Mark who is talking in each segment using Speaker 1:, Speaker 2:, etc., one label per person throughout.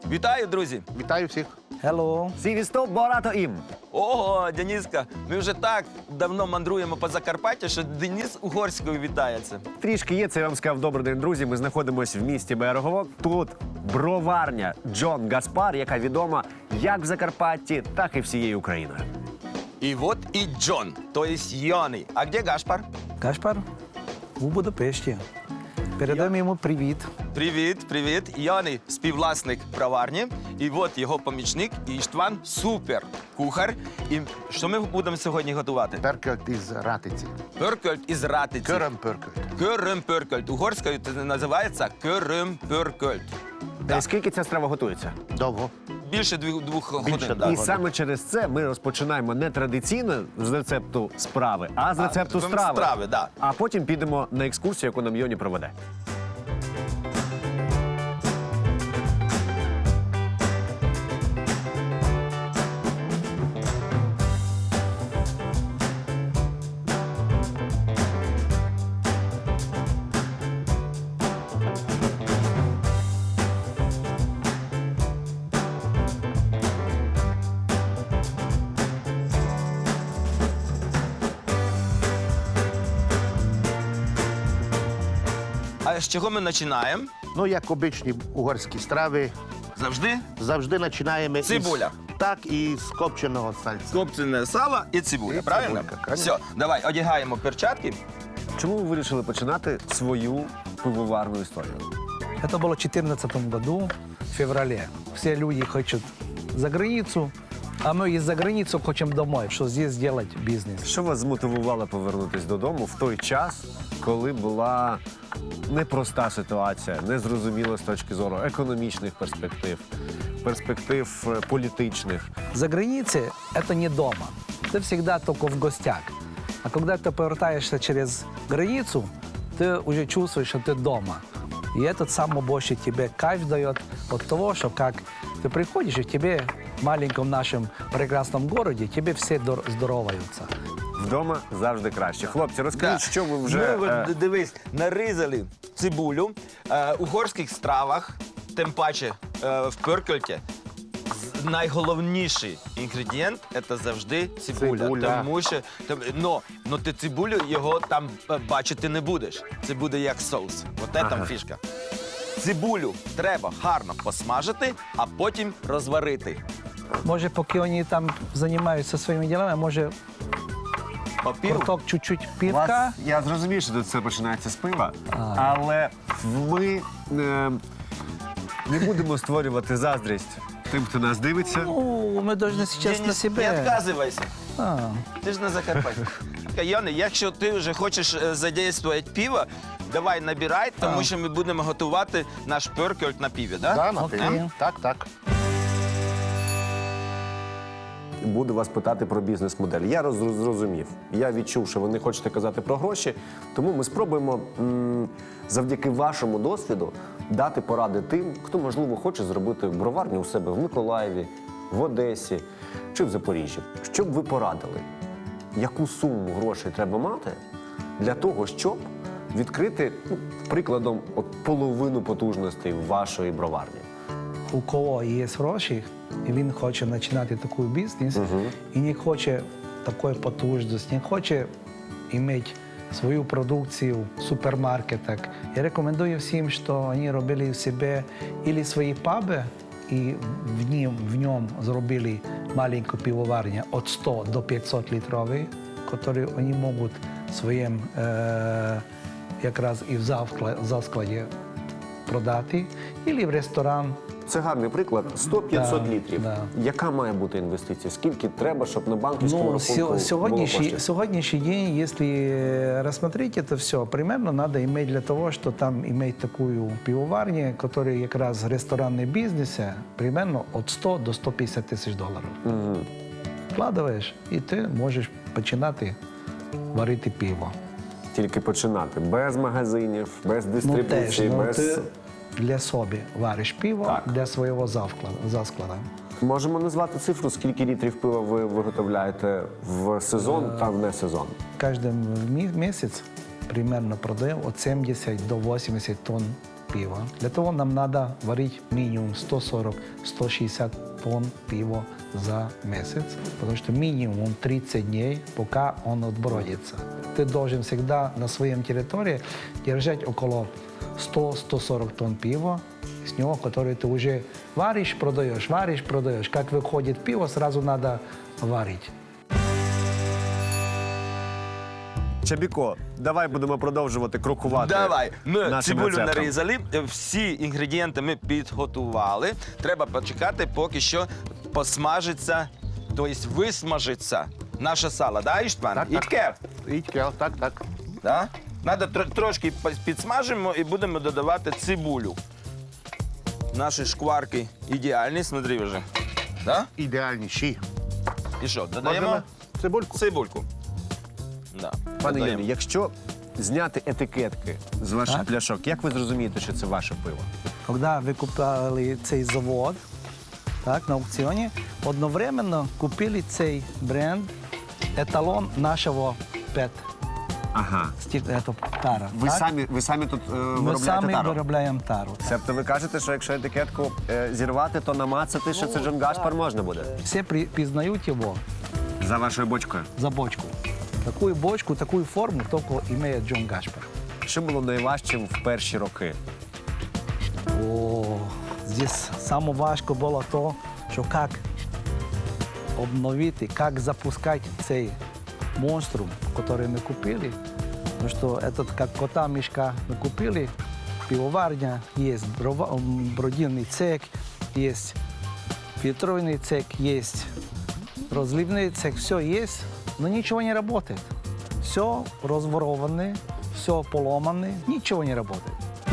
Speaker 1: Вітаю, друзі!
Speaker 2: Вітаю всіх.
Speaker 3: Hello.
Speaker 4: Сівістоп багато їм.
Speaker 1: Ого, Дениска, ми вже так давно мандруємо по Закарпаттю, що Денис угорською вітається.
Speaker 4: Трішки є, це я вам сказав, добрий день, друзі. Ми знаходимося в місті Берегово. Тут броварня Джон Гаспар, яка відома як в Закарпатті, так і всією Україною.
Speaker 1: І от і Джон, то есть Йони. А де Гашпар?
Speaker 3: Гашпар у Будапешті. Передаємо йому привіт.
Speaker 1: Привіт, привіт. Йони – співвласник броварні. І от його помічник Іштван – супер кухар. І що ми будемо сьогодні готувати?
Speaker 2: Перкельт із ратиці.
Speaker 1: Пörkölt із ратиці.
Speaker 2: Körömpörkölt.
Speaker 1: Körömpörkölt. Угорською це називається Körömpörkölt.
Speaker 4: І скільки ця страва готується?
Speaker 2: Довго.
Speaker 1: Більше двох
Speaker 2: Більше,
Speaker 1: годин.
Speaker 2: да.
Speaker 4: І саме через це ми розпочинаємо не традиційно з рецепту справи, а з рецепту страви.
Speaker 1: Страви, да.
Speaker 4: А потім підемо на екскурсію, яку нам Йоні проведе.
Speaker 1: А з чого ми починаємо?
Speaker 2: Ну, як обичні угорські страви,
Speaker 1: Завжди
Speaker 2: завжди починаємо
Speaker 1: Цибуля.
Speaker 2: Так, і з копченого сальця.
Speaker 1: копчене сало і цибуля,
Speaker 2: І
Speaker 1: правильно?
Speaker 2: цибулька, конечно.
Speaker 1: Все, давай, одягаємо перчатки.
Speaker 4: Чому ви вирішили починати свою пивоварну історію?
Speaker 3: Это было в 2014 году, в феврале. Все люди хотят за границу, а мы из-за границу хотим домой, что здесь сделать бизнес.
Speaker 4: Що вас змотивувало повернутися додому в той час, коли була непроста ситуація, незрозуміла з точки зору економічних перспектив політичних?
Speaker 3: За границей это не дома. Ты всегда только в гостях. А когда ты повертаешься через границу, ты уже чувствуешь, что ты дома. И этот самый больше тебе кайф дает от того, что как ты приходишь, и тебе в маленьком нашем прекрасном городе, тебе все здороваются.
Speaker 4: Вдома завжди краще. Хлопці, розкажіть, що ви вже...
Speaker 1: Ми, от, дивись, нарізали цибулю в угорських стравах, тим паче в пörkölті. Найголовніший інгредієнт – це завжди цибуля.
Speaker 2: Цибуля.
Speaker 1: Тому що, но ти цибулю його там бачити не будеш. Це буде як соус. От це там фішка. Цибулю треба гарно посмажити, а потім розварити.
Speaker 3: Може, поки вони там займаються своїми ділами, може,
Speaker 1: Попів.
Speaker 3: круток чуть-чуть пивка.
Speaker 4: Я зрозумів, що тут все починається з пива, але ми не будемо створювати заздрість тим, хто нас дивиться.
Speaker 3: Ну, ми повинні зараз на
Speaker 1: Не
Speaker 3: себе.
Speaker 1: відказуйся.
Speaker 3: А,
Speaker 1: Ти ж на Закарпатті. Йони, якщо ти вже хочеш задействувати пиво, давай набирай, тому що ми будемо готувати наш пörkölt на пиві, да?
Speaker 2: Да, на
Speaker 3: Окей.
Speaker 2: пиві. Так, так.
Speaker 4: Буду вас питати про бізнес-модель. Я зрозумів. Я відчув, що ви не хочете казати про гроші, тому ми спробуємо завдяки вашому досвіду дати поради тим, хто, можливо, хоче зробити броварню у себе в Миколаєві, в Одесі чи в Запоріжжі. Що б ви порадили? Яку суму грошей треба мати для того, щоб відкрити, прикладом, половину потужностей вашої броварні?
Speaker 3: у кого є гроші, і він хоче починати такий бізнес, і не хоче такої потужності, не хоче мати свою продукцію в супермаркетах. Я рекомендую всім, що вони робили в себе або свої паби, і в ньому зробили маленьку пивоварню від 100 до 500 літрової, які вони можуть своїм якраз і в завскладі продати, або в ресторан.
Speaker 4: Це гарний приклад. 100-500
Speaker 3: Да,
Speaker 4: літрів.
Speaker 3: да.
Speaker 4: Яка має бути інвестиція? Скільки треба, щоб на банківському рахунку було коштів?
Speaker 3: сегодняшний день, если рассмотреть это все, примерно надо иметь для того, что там иметь такую пивоварню, которая как раз ресторанный бизнес, примерно от 100 до 150 тысяч долларов. Вкладываешь, и ты можешь починати варити пиво.
Speaker 4: Тільки починати. Без магазинів, без дистрибуції, без...
Speaker 3: ти для себе вариш пиво,
Speaker 4: Так.
Speaker 3: для свого засклада.
Speaker 4: Можемо назвати цифру, скільки літрів пива ви виготовляєте в сезон та в не сезон?
Speaker 3: Кожен місяць примерно продаємо від 70 до 80 тонн пива. Для того нам надо варить минимум 140-160 тонн пива за месяц, потому что минимум 30 дней, пока он отбродится. Ты должен всегда на своем территории держать около 100-140 тонн пива, с него, который ты уже варишь, продаешь. Как выходит пиво, сразу надо варить.
Speaker 4: Чабіко, давай будемо продовжувати крокувати.
Speaker 1: Давай, ми
Speaker 4: нашим
Speaker 1: цибулю
Speaker 4: рецептом.
Speaker 1: нарізали, всі інгредієнти ми підготували. Треба почекати, поки що посмажиться, тобто висмажиться наше сало, да, Іштван?
Speaker 2: Так, так.
Speaker 1: Ітке?
Speaker 2: Ічкел, так.
Speaker 1: Да? Надо трошки підсмажимо і будемо додавати цибулю. Наші шкварки ідеальні, смотри вже. Да?
Speaker 2: Ідеальніші.
Speaker 1: І що, додаємо
Speaker 2: Можемо цибульку.
Speaker 1: цибульку. Да.
Speaker 4: Пане
Speaker 1: додаємо.
Speaker 4: Єві, якщо зняти етикетки з ваших
Speaker 3: Так.
Speaker 4: пляшок, як ви зрозумієте, що це ваше пиво?
Speaker 3: Когда ви купили цей завод так, на аукціоні, одновременно купили цей бренд, еталон нашого ПЕТ,
Speaker 4: Ага.
Speaker 3: тара.
Speaker 4: Ви
Speaker 3: так?
Speaker 4: самі тут
Speaker 3: Ми
Speaker 4: виробляєте
Speaker 3: самі
Speaker 4: тару?
Speaker 3: виробляємо тару.
Speaker 4: Тобто ви кажете, що якщо етикетку зірвати, то намацати, що це Джон Гашпар можна буде?
Speaker 3: Всі пізнають його
Speaker 4: За вашою бочкою.
Speaker 3: за бочку. Таку бочку, таку форму тільки має Джон Гашпар.
Speaker 4: Що було найважчим в перші роки?
Speaker 3: О, здесь саме важко було то, що як обновити, як запускати цей монструм, який ми купили. Тому що этот, як кота мішка ми купили, пивоварня, є бродильний цех, є фильтрованный цех, есть разливный цех, все есть, но ничего не работает. Все разворовано, все поломано, ничего не работает.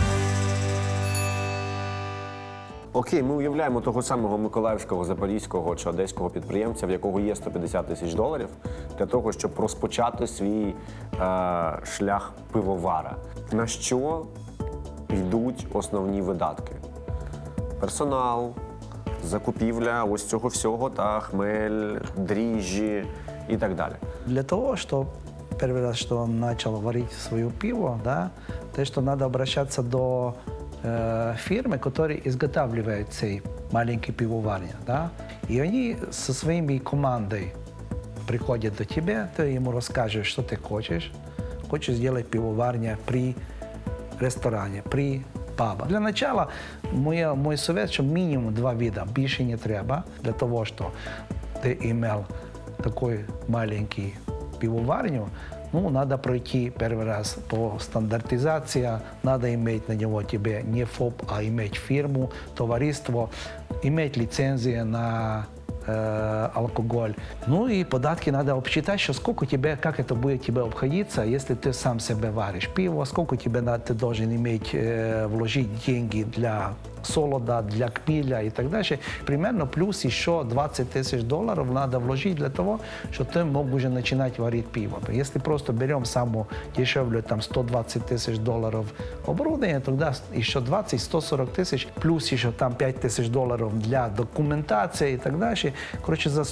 Speaker 4: Окей, ми уявляємо того самого миколаївського, запорізького чи одеського підприємця, в якого є 150 тисяч доларів, для того, щоб розпочати свій шлях пивовара. На що йдуть основні видатки? Персонал, закупівля ось цього всього, та хмель, дріжджі і так далі.
Speaker 3: Для того, что первый раз, что он начал варить свое пиво, да, то, что надо обращаться до фирмы, которые изготавливают цей маленький пивоварня, да, и они со своими командой приходят до тебя, ты ему расскажешь, что ты хочешь. Хочешь сделать пивоварня при ресторане, при пабах. Для начала мой совет, что минимум 2 вида, больше не треба, для того, что ты имел такой маленький пивоварню, ну, надо пройти первый раз по стандартизации, надо иметь на него тебе не ФОП, а иметь фирму, товариство, иметь лицензию на алкоголь. Ну и податки надо обсчитать, что сколько тебе, как это будет тебе обходиться, если ты сам себе варишь пиво, сколько тебе ты должен иметь, вложить деньги для солода, для кмеля и так дальше. Примерно плюс еще 20 тысяч долларов надо вложить для того, чтобы ты мог уже начинать варить пиво. Если просто берем самую дешевле, там 120 тысяч долларов оборудование, тогда еще 20-140 тысяч, плюс еще там 5 тысяч долларов для документации и так дальше. Короче, за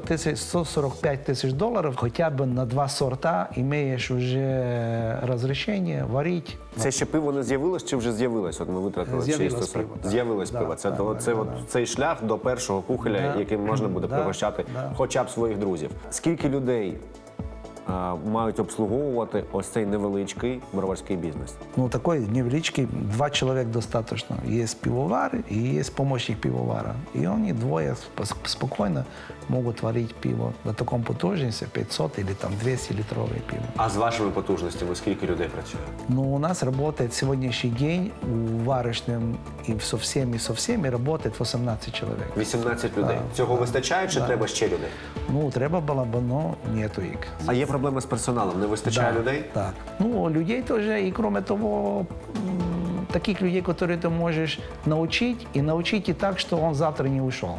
Speaker 3: 145 тысяч долларов хотя бы на 2 сорта имеешь уже разрешение варить.
Speaker 4: Це ще пиво не з'явилось чи вже з'явилось? От ми витратили
Speaker 3: З'явилось
Speaker 4: 640.
Speaker 3: пиво, да.
Speaker 4: З'явилось
Speaker 3: Да,
Speaker 4: пиво. Це,
Speaker 3: да,
Speaker 4: то,
Speaker 3: да,
Speaker 4: це
Speaker 3: да,
Speaker 4: от
Speaker 3: да.
Speaker 4: цей шлях до першого кухоля,
Speaker 3: Да.
Speaker 4: яким можна буде
Speaker 3: Да,
Speaker 4: пригощати
Speaker 3: да.
Speaker 4: хоча б своїх друзів. Скільки людей мають обслуговувати ось цей невеличкий броварський бізнес?
Speaker 3: Ну, такой невеличкий, 2 человека достаточно. Есть пивовар и есть помощник пивовара. И они двое спокойно могут варить пиво на таком потужности, 500 или там 200 литровое пиво.
Speaker 4: А з вашими потужностями скільки людей працює?
Speaker 3: Но у нас работает сегодняшний день у варочным и со всеми работает 18 человек.
Speaker 4: 18 людей.
Speaker 3: Да.
Speaker 4: Цього вистачає чи треба ще людей?
Speaker 3: Ну, треба было бы, но нету их.
Speaker 4: А є проблеми з персоналом? Не вистачає людей?
Speaker 3: Так. Ну, людей тоже, и кроме того, таких людей, которые ты можешь научить, и научить и так, что он завтра не ушел.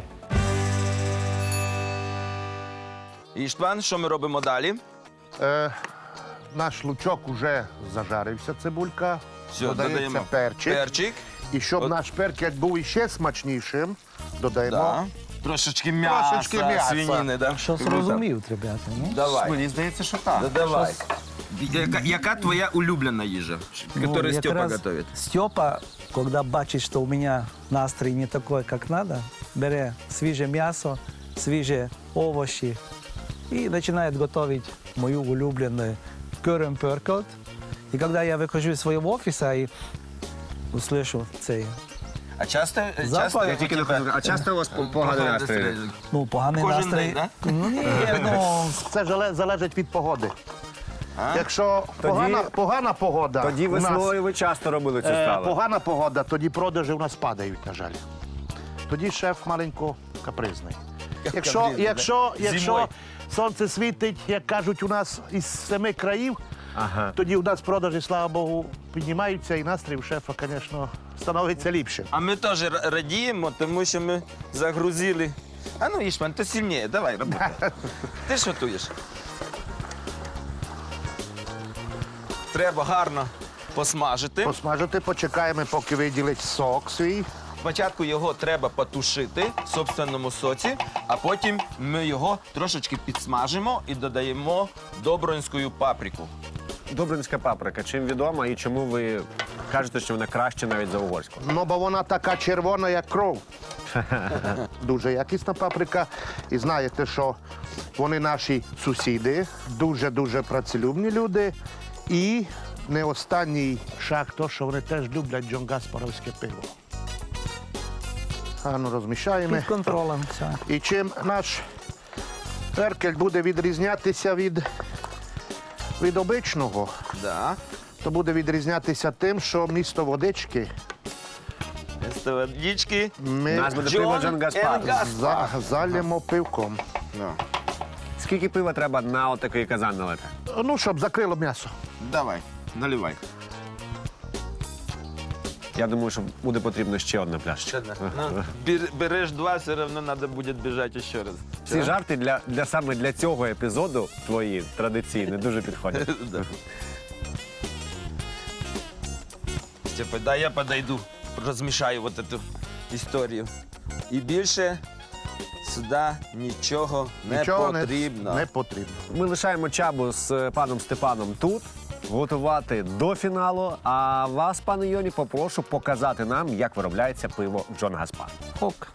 Speaker 1: Іштван, що ми робимо далі?
Speaker 2: Наш лучок уже зажарився, цибулька.
Speaker 1: Все,
Speaker 2: Додається
Speaker 1: додаємо
Speaker 2: перчик.
Speaker 1: перчик.
Speaker 2: І щоб
Speaker 1: От.
Speaker 2: наш перчик був іще смачнішим, додаємо.
Speaker 1: Да. Трошечки м'яса,
Speaker 2: Трошечки м'яса.
Speaker 1: свинини, да?
Speaker 3: Що зрозумів, ребята? Ну?
Speaker 1: Давай.
Speaker 4: Мені здається, що так.
Speaker 1: Давай. Яка твоя улюблена їжа, яку Степа
Speaker 3: якраз
Speaker 1: готує?
Speaker 3: Степа когда бачит, что у меня настрой не такой, как надо, берет свежее мясо, свежие овощи и начинает готовить мою улюбленную curry. И когда я выхожу из своего офиса и услышу цей,
Speaker 1: А часто,
Speaker 3: Запах.
Speaker 1: часто
Speaker 3: Я
Speaker 4: тільки не
Speaker 1: у тебе,
Speaker 4: кажу, а часто у вас поганий настрій?
Speaker 3: ну, поганий
Speaker 1: Кожен
Speaker 3: настрій.
Speaker 1: день, да?
Speaker 3: Ну, ні, ну,
Speaker 2: Це залежить від погоди.
Speaker 1: А?
Speaker 2: Якщо погана погода,
Speaker 4: Тоді
Speaker 2: у нас,
Speaker 4: весною ви часто робили цю страву.
Speaker 2: погана погода, тоді продажі у нас падають, на жаль. Тоді шеф маленько капризний.
Speaker 1: Капризний,
Speaker 2: Якщо
Speaker 1: Зимою.
Speaker 2: сонце світить, як кажуть у нас із 7 країв,
Speaker 4: Ага.
Speaker 2: тоді у нас продажі, слава Богу, піднімаються, і настрій у шефа, звісно, становиться ліпше.
Speaker 1: А ми теж радіємо, тому що ми загрузили. А ну, Ішман, ти сильніше, давай, роби. Ти ж готуєш. Треба гарно посмажити.
Speaker 2: Посмажити, почекаємо, поки виділить сок свій.
Speaker 1: Спочатку його треба потушити в собственному соці, а потім ми його трошечки підсмажимо і додаємо добронську паприку.
Speaker 4: Добринська паприка. Чим відома і чому ви кажете, що вона краще навіть за угорську?
Speaker 2: Ну, бо вона така червона, як кров. Дуже якісна паприка. І знаєте, що вони наші сусіди, дуже-дуже працелюбні люди. І не останній шаг то, що вони теж люблять Джон Гаспаровське пиво. Гарно розмішаємо.
Speaker 3: під контролем. Все.
Speaker 2: І чим наш перкель буде відрізнятися від обичного,
Speaker 1: Да.
Speaker 2: то буде відрізнятися тим, що місто водички
Speaker 1: З водички.
Speaker 4: У
Speaker 2: ми
Speaker 4: нас буде пиво Джон Гаспар.
Speaker 2: залємо пивком.
Speaker 1: Ну,
Speaker 4: Скільки пива треба на отакий казан налити?
Speaker 2: Ну, щоб закрило м'ясо.
Speaker 1: давай, наливай.
Speaker 4: Я думаю, що буде потрібно ще одна пляшечка.
Speaker 1: Ще одне. Ну, береш два, все одно треба буде біжати ще раз.
Speaker 4: Ці жарти саме для цього епізоду твої традиційні дуже підходять.
Speaker 1: Да. Степа, дай я подойду, розмішаю вот эту історію. І більше сюди нічого не потрібно.
Speaker 2: Не потрібно.
Speaker 4: Ми лишаємо Чабу з паном Степаном тут, готувати до фіналу. А вас, пане Йоні, попрошу показати нам, як виробляється пиво Джон Гаспар.
Speaker 3: Ок.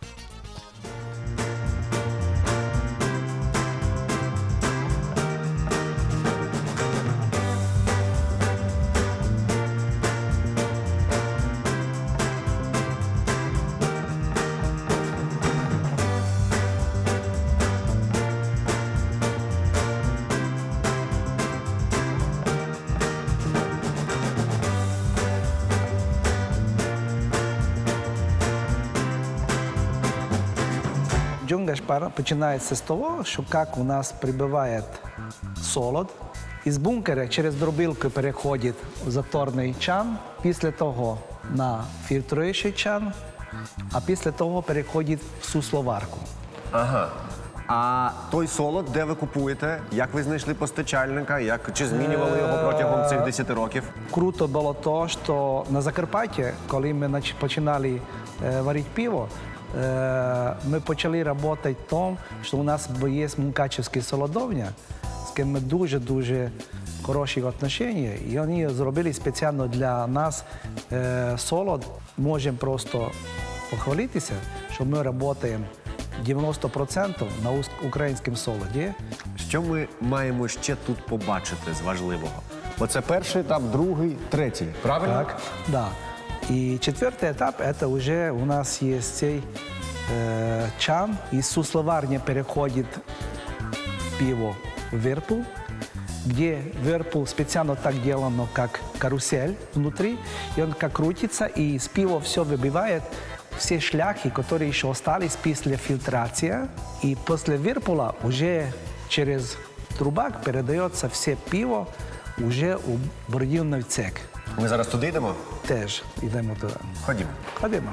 Speaker 3: Джон Гаспар починається з того, що як у нас прибуває солод, із бункера через дробилку переходить в заторний чан, після того на фільтруючий чан, а після того переходить в сусловарку.
Speaker 4: Ага. А той солод, де ви купуєте? Як ви знайшли постачальника? Чи змінювали його протягом цих 10 років?
Speaker 3: Круто було то, що на Закарпатті, коли ми починали варити пиво, ми почали працювати в тому, що у нас є Мукачевська солодовня, з ким ми дуже-дуже хороші відносини, і вони зробили спеціально для нас солод. Можемо просто похвалитися, що ми працюємо 90% на українському солоді.
Speaker 4: Що ми маємо ще тут побачити з важливого? Оце перший етап, другий, третій. Правильно?
Speaker 3: Так, да. И четвертый этап, это уже у нас есть цей чан, из сусловарни переходит пиво в Whirlpool, где Whirlpool специально так делано, как карусель внутри, и он как крутится, и из пива все выбивает, все шляхи, которые еще остались после фильтрации, и после Whirlpool уже через трубак передается все пиво уже у бродівний цех.
Speaker 4: Ми зараз туди йдемо?
Speaker 3: Теж йдемо туди.
Speaker 4: Ходімо.
Speaker 3: Ходімо.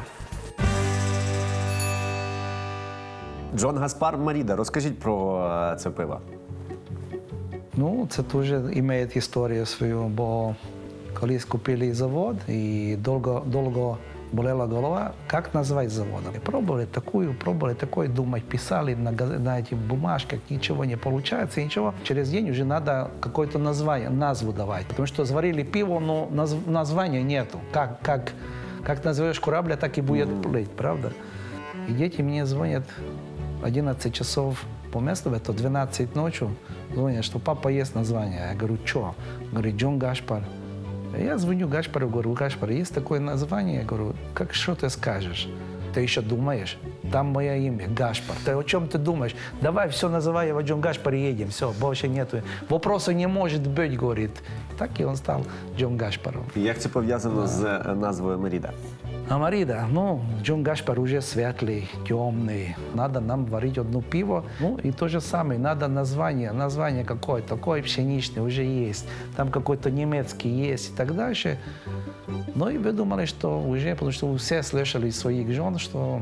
Speaker 4: Джон Гаспар Маріда, розкажіть про це пиво.
Speaker 3: Ну, це дуже має історію свою, бо колись купили завод і довго болела голова, як назвати заводом. Пробовали такую, думать, писали на этих бумажках, ничего не получается, ничего. Через день уже надо какое-то назву давать, потому что сварили пиво, но названия нету. Как Как назовешь корабля, так и будет плыть, правда? И дети мне звонят 11 часов по месту, это 12 ночи, звонят, что папа есть название. Я говорю, что? Говорит, Джон Гашпар. Я звоню Гашпару, говорю, Гашпар, есть такое название? Я говорю, как, что ты скажешь? Ты еще думаешь? Там мое имя, Гашпар. Ты о чем ты думаешь? Давай все называй его Джон Гашпар и едем. Все, больше нету. Вопроса не может быть, говорит. Так и он стал Джон Гашпаром.
Speaker 4: Як це пов'язано з назвою Меріда?
Speaker 3: А Марида, ну, Джон Гашпар уже светлый, темный. Надо нам варить одно пиво. Ну, и то же самое, надо название какое-то, такое пшеничное уже есть. Там какой-то немецкий есть и так дальше. Ну, и вы думали, что уже, потому что все слышали из своих жен, что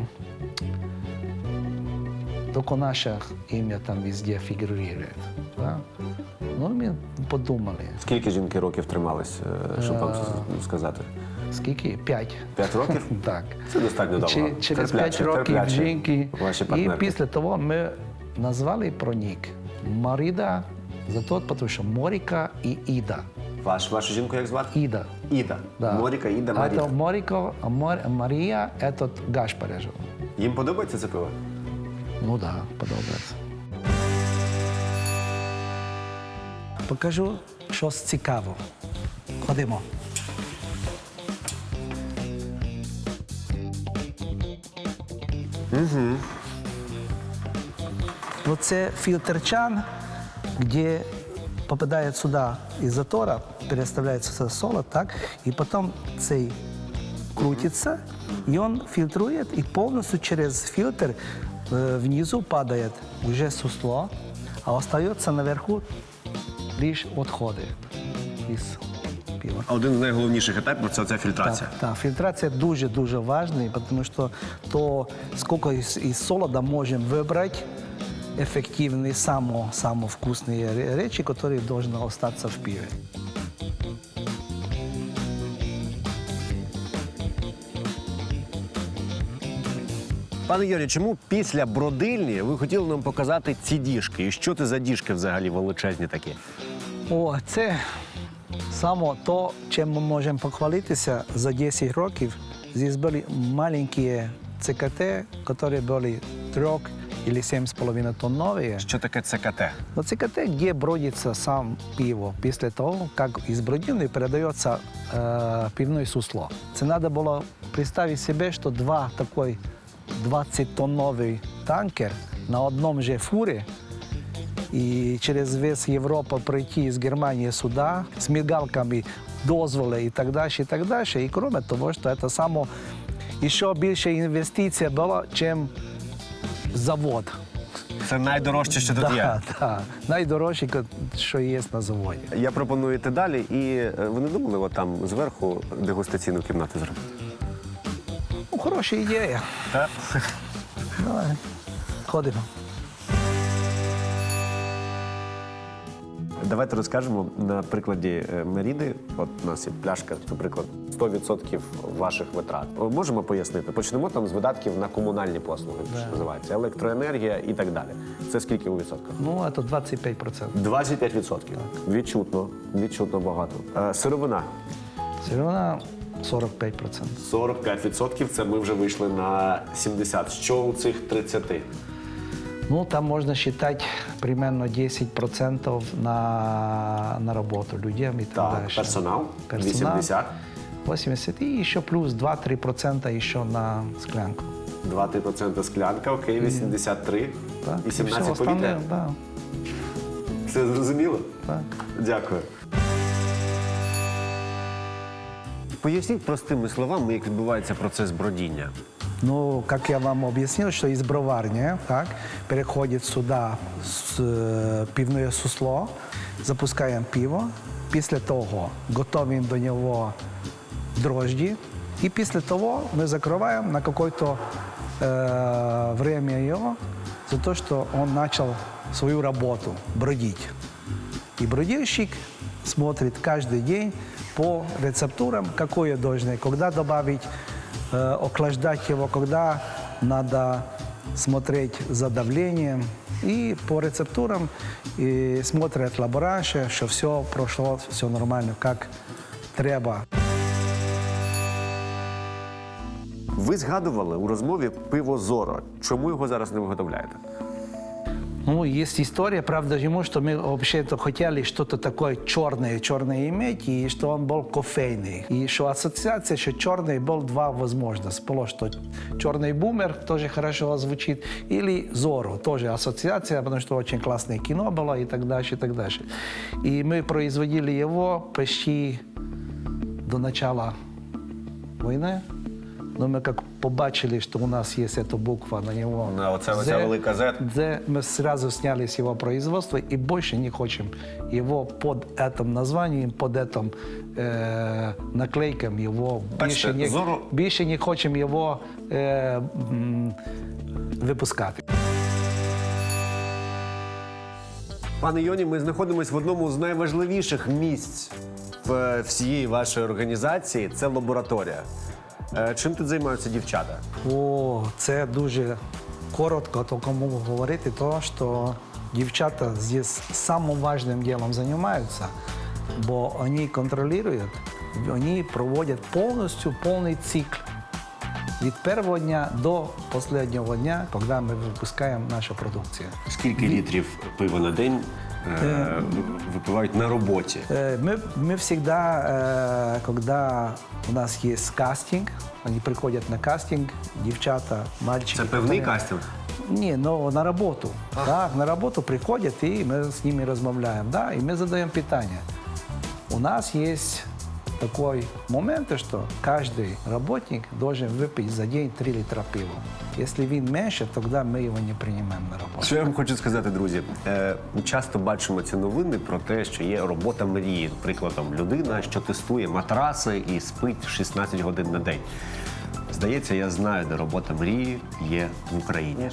Speaker 3: только наше имя там везде фигурирует. Да? Ну, мы подумали.
Speaker 4: Скільки жінки років тримались, щоб вам сказати?
Speaker 3: Скільки? 5.
Speaker 4: 5 років?
Speaker 3: Так.
Speaker 4: Це достатньо довго.
Speaker 3: Через 5 років жінки.
Speaker 4: Ваші
Speaker 3: І
Speaker 4: партнерки.
Speaker 3: після того ми назвали про нік Марида, за то, тому що Моріка і Іда.
Speaker 4: Вашу жінку як звати?
Speaker 3: Іда.
Speaker 4: Іда.
Speaker 3: Да.
Speaker 4: Моріка, Іда,
Speaker 3: А
Speaker 4: Маріка.
Speaker 3: то Моріко, а Марія – це Гашпарежо.
Speaker 4: Їм подобається це пиво?
Speaker 3: Ну так, да, подобається. Покажу щось цікаве. Ходимо. Вот це фильтр-чан, где попадает сюда из затора, переставляется сюда солод, так, и потом цей крутится, и он фильтрует, и полностью через фильтр внизу падает уже сусло, а остается наверху лишь отходы из пива.
Speaker 4: Один з найголовніших етапів – це ця фільтрація.
Speaker 3: Так, фільтрація дуже-дуже важлива, тому що то, скільки із солода можемо вибрати ефективні, самі вкусні речі, які повинні залишитися в пиві.
Speaker 4: Пане Юрію, чому після бродильні ви хотіли нам показати ці діжки? І що це за діжки взагалі величезні такі?
Speaker 3: О, це саме то, чим ми можемо похвалитися за 10 років. Здесь були маленькі ЦКТ, які були 3 или 7,5 тоннові.
Speaker 4: Що таке ЦКТ?
Speaker 3: Но ЦКТ, где бродится сам пиво, после того, как из бродильни передается пивное сусло. Це надо было представить себе, что два такой 20-тонновый танкер на одном же фуре и через весь Европу пройти из Германии сюда с мигалками, дозволи и так дальше, и так дальше. И кроме того, что это само еще більше інвестиція була, чим завод.
Speaker 4: Це найдорожче, що тут є.
Speaker 3: Так, найдорожче, що є на заводі.
Speaker 4: Я пропоную йти далі, і ви не думали от там зверху дегустаційну кімнату зробити?
Speaker 3: Ну, хороша ідея.
Speaker 4: Так.
Speaker 3: Давай, ходимо.
Speaker 4: Давайте розкажемо на прикладі Меріди. От у нас є пляшка, наприклад, 100% ваших витрат. Можемо пояснити? Почнемо там з видатків на комунальні послуги, що називається, електроенергія і так далі. Це скільки у відсотках?
Speaker 3: Ну, це 25%.
Speaker 4: 25%. Відчутно, відчутно багато. Сировина.
Speaker 3: Сировина 45%.
Speaker 4: 45% – це ми вже вийшли на 70%. Що у цих 30%?
Speaker 3: Ну, там можно считать примерно 10% на работу людям и так,
Speaker 4: Так,
Speaker 3: дальше.
Speaker 4: персонал 80%.
Speaker 3: 80%. И еще плюс 2-3% еще на склянку.
Speaker 4: 2-3% склянка, окей, 83%.
Speaker 3: Так,
Speaker 4: І
Speaker 3: все
Speaker 4: 17%
Speaker 3: остальне,
Speaker 4: повітря.
Speaker 3: да,
Speaker 4: Все зрозуміло?
Speaker 3: так.
Speaker 4: Дякую. Поясніть простими словами, як відбувається процес бродіння.
Speaker 3: Ну, как я вам объяснил, что из броварни так, переходит сюда пивное сусло, запускаем пиво, після того готовим до него дрожжи, и після того мы закрываем на какое-то время его за то, что он начал свою работу бродить. И бродильщик смотрит каждый день по рецептурам, какое должно, когда добавить, охлаждать его, когда надо смотреть за давлением. И по рецептурам и смотрят лаборанты, что все прошло, все нормально, как треба.
Speaker 4: Ви згадували у розмові пиво Зоро. Чому його зараз не виготовляєте?
Speaker 3: Ну, есть история, правда, ему, что мы вообще-то хотели что-то такое черное иметь, и что он был кофейный. И что ассоциация, что черный был два возможности. Было, что черный бумер тоже хорошо звучит, или Зоро, тоже ассоциация, потому что очень классное кино было и так дальше, и так дальше. И мы производили его почти до начала войны. Но мы как побачили, что у нас есть эта буква на него.
Speaker 4: На оце велика Z.
Speaker 3: Мы сразу сняли с его производства и больше не хотим его под этим названием, под этим наклейком его.
Speaker 4: Бачите,
Speaker 3: Більше не хочем его випускати.
Speaker 4: Пане Йоні, ми знаходимося в одному з найважливіших місць в всієї вашої організації. Це лабораторія. Чим тут займаються дівчата?
Speaker 3: О, це дуже коротко, тільки можу говорити, то, що дівчата здесь самым важным делом занимаются, бо вони контролюють, вони проводять повністю повний цикл. Від першого дня до останнього дня, коли ми випускаємо нашу продукцію.
Speaker 4: Скільки літрів пива на день випивають на роботі?
Speaker 3: Мы всегда, когда у нас есть кастинг, они приходят на кастинг, девчата, мальчики.
Speaker 4: Це певний
Speaker 3: которые-
Speaker 4: кастинг?
Speaker 3: Не, но на работу. Так, на работу приходят, и мы с ними размовляем, да, и мы задаем питание. У нас есть такой момент, что каждый работник должен выпить за день 3 литра пива. Если він меньше, тогда мы его не принимаем на работу.
Speaker 4: Що я вам хочу сказати, друзі? Часто бачимо ці новини про те, що є робота мрії. Прикладом, людина, що тестує матраси і спить 16 годин на день. Здається, я знаю, де робота мрії є в Україні.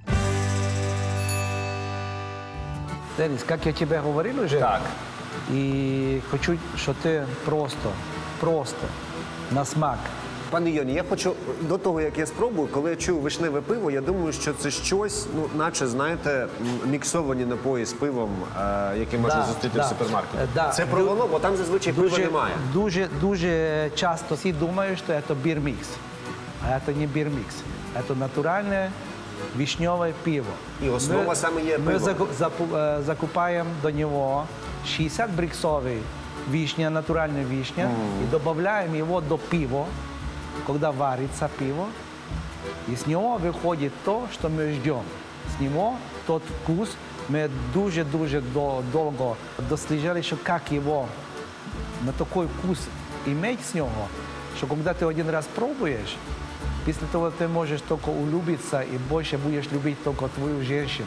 Speaker 3: Денис, как я тебе говорил уже,
Speaker 4: Так.
Speaker 3: и хочу, что ты просто на смак.
Speaker 4: Пане Йоні, я хочу до того, як я спробую, коли я чую вишневе пиво, я думаю, що це щось, ну, наче, знаєте, міксовані напої з пивом, які можна зустріти в супермаркеті.
Speaker 3: Да.
Speaker 4: Це про воно, бо там зазвичай пива немає.
Speaker 3: Дуже часто всі думають, що це бірмікс. А це не бірмікс. Це натуральне вишневе пиво.
Speaker 4: І основа саме є
Speaker 3: Ми
Speaker 4: пиво.
Speaker 3: закупаємо до нього 60 бриксовий вишня, натуральная вишня, и добавляем его до пива, когда варится пиво, и с него выходит то, что мы ждем. С него тот вкус, мы дуже долго дослежали, что как его на такой вкус иметь с него, что когда ты один раз пробуешь, после того ты можешь только улюбиться и больше будешь любить только твою женщину.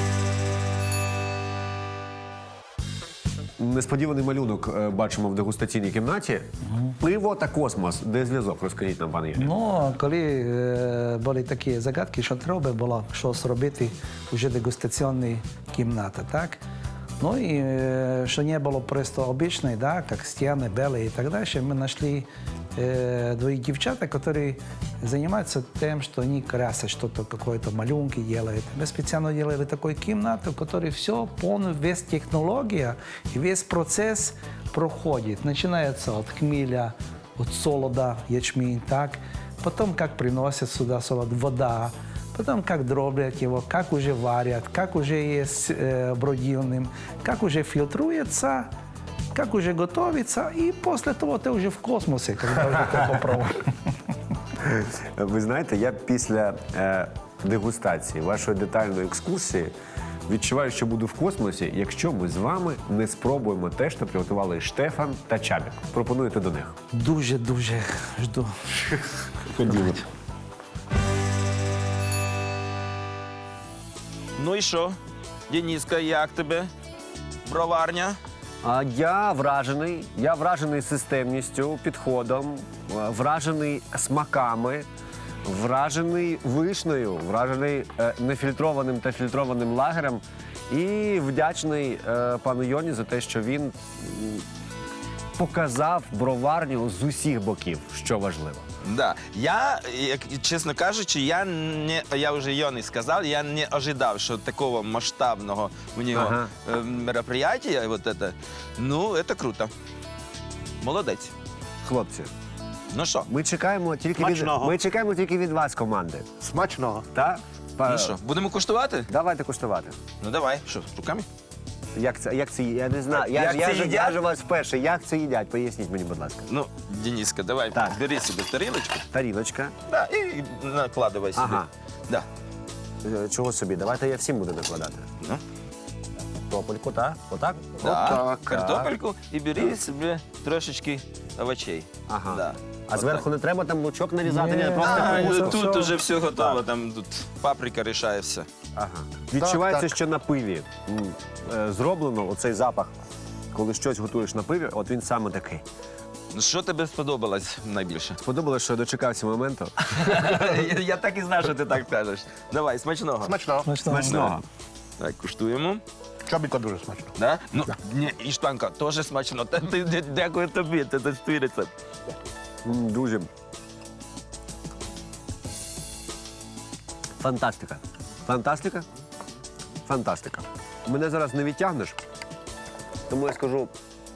Speaker 4: Несподіваний малюнок бачимо в дегустаційній кімнаті. Пиво та космос. Де зв'язок? Розкажіть нам, пане Юрій.
Speaker 3: Ну, коли були такі загадки, що треба було щось робити вже дегустаційні кімнати, так? Ну і що не було просто обичної, да, як стіни, белі і так далі, ми знайшли двоих девчат, которые занимаются тем, что они красят что-то, какое-то малюнки делают. Мы специально делали такую комнату, в которой все, полностью, весь технология и весь процесс проходит. Начинается от хмеля, от солода, ячмень, так. Потом, как приносят сюда солод, вода. Потом, как дроблят его, как уже варят, как уже есть бродильным, как уже фильтруется, как уже готовится, и после того ты уже в космосе, когда уже ты попробуешь.
Speaker 4: Ви знаєте, я після дегустації вашої детальної екскурсії відчуваю, що буду в космосі, якщо ми з вами не спробуємо те, що приготували Штефан та Чабік. Пропонуєте до них?
Speaker 3: Дуже жду.
Speaker 4: Ходімо.
Speaker 1: Ну і що? Дениска, як тебе? Броварня?
Speaker 4: А я вражений системністю, підходом, вражений смаками, вражений вишнею, вражений нефільтрованим та фільтрованим лагерем і вдячний пану Йоні за те, що він показав броварню з усіх боків, що важливо.
Speaker 1: Да. Я, чесно кажучи, я вже Йоні сказав, я не ожидав, що такого масштабного у нього мероприятия, вот это, ну, это круто. Молодець.
Speaker 4: Хлопці,
Speaker 1: Ну що,
Speaker 4: Ми чекаємо тільки від вас, команди.
Speaker 2: Смачного.
Speaker 4: Так?
Speaker 1: ну що, будемо куштувати?
Speaker 4: Давайте куштувати.
Speaker 1: Ну давай, що, руками?
Speaker 4: Як це я не знаю.
Speaker 1: Як це їдять?
Speaker 4: Я ж у вас вперше. Як це їдять? Поясніть мені, будь ласка.
Speaker 1: Ну, Дениска, давай,
Speaker 4: Так.
Speaker 1: бери собі тарілочку.
Speaker 4: Тарілочка.
Speaker 1: Да, і накладывай собі.
Speaker 4: Ага.
Speaker 1: Да.
Speaker 4: Чого собі? Давайте я всім буду накладати.
Speaker 1: Ну,
Speaker 4: Топольку, так? Отак?
Speaker 1: да.
Speaker 2: Отак.
Speaker 1: Картопельку і бери собі трошечки овочей.
Speaker 4: Ага.
Speaker 1: Да.
Speaker 4: А зверху не треба там лучок нарізати?
Speaker 3: Ні.
Speaker 4: Ні, просто
Speaker 1: А,
Speaker 4: капусту.
Speaker 1: тут
Speaker 3: все.
Speaker 1: уже все готово, там тут паприка рішає все.
Speaker 4: Ага. Відчувається,
Speaker 2: так.
Speaker 4: що на пиві зроблено оцей запах. Коли щось готуєш на пиві, от він саме такий.
Speaker 1: Ну, що тобі сподобалось найбільше?
Speaker 4: Сподобалось, що я дочекався моменту.
Speaker 1: Я так і знав, що ти так кажеш. Давай, смачного.
Speaker 2: Смачного.
Speaker 4: Смачного.
Speaker 1: Так, куштуємо.
Speaker 2: Чобіка дуже смачно.
Speaker 1: Да? Ну, ні, Іштанка, теж смачно. Дякую тобі, це твій рецепт.
Speaker 4: Дуже. Фантастика. Фантастика? Фантастика. Мене зараз не відтягнеш, тому я скажу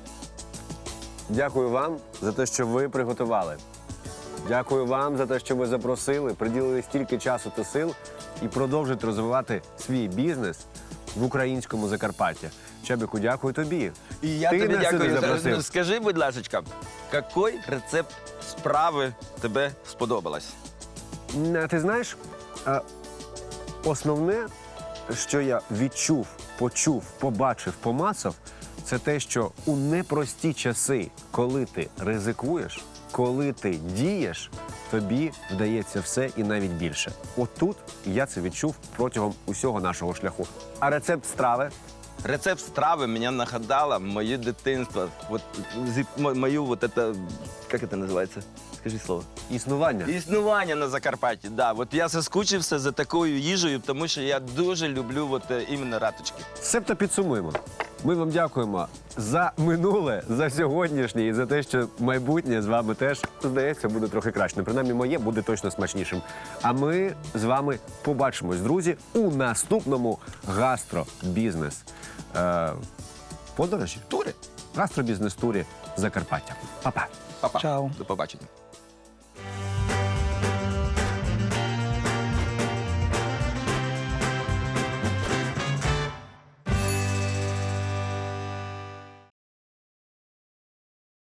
Speaker 4: дякую вам за те, що ви приготували. Дякую вам за те, що ви запросили, приділили стільки часу та сил і продовжуєте розвивати свій бізнес в українському Закарпатті. Чебіку, дякую тобі.
Speaker 1: І я
Speaker 4: Ти
Speaker 1: тобі
Speaker 4: нас сюди
Speaker 1: дякую.
Speaker 4: запросив.
Speaker 1: Ну, скажи, будь ласка, який рецепт справи тебе сподобалось?
Speaker 4: Ти знаєш, основне, що я відчув, почув, побачив, помацав, це те, що у непрості часи, коли ти ризикуєш, коли ти дієш, тобі вдається все і навіть більше. Отут я це відчув протягом усього нашого шляху. А рецепт страви?
Speaker 1: Рецепт страви мене нагадало моє дитинство. Вот, мою вот это, як це називається? Скажи слово.
Speaker 4: Існування.
Speaker 1: Існування на Закарпатті, да. От я соскучився за такою їжею, тому що я дуже люблю от, іменно раточки.
Speaker 4: Себто підсумуємо. Ми вам дякуємо за минуле, за сьогоднішнє і за те, що майбутнє з вами теж, здається, буде трохи краще. Принаймні, моє буде точно смачнішим. А ми з вами побачимось, друзі, у наступному гастробізнес подорожі.
Speaker 1: Тури.
Speaker 4: Гастробізнес-турі Закарпаття. Па-па.
Speaker 1: Па-па.
Speaker 3: Чао.
Speaker 1: До побачення.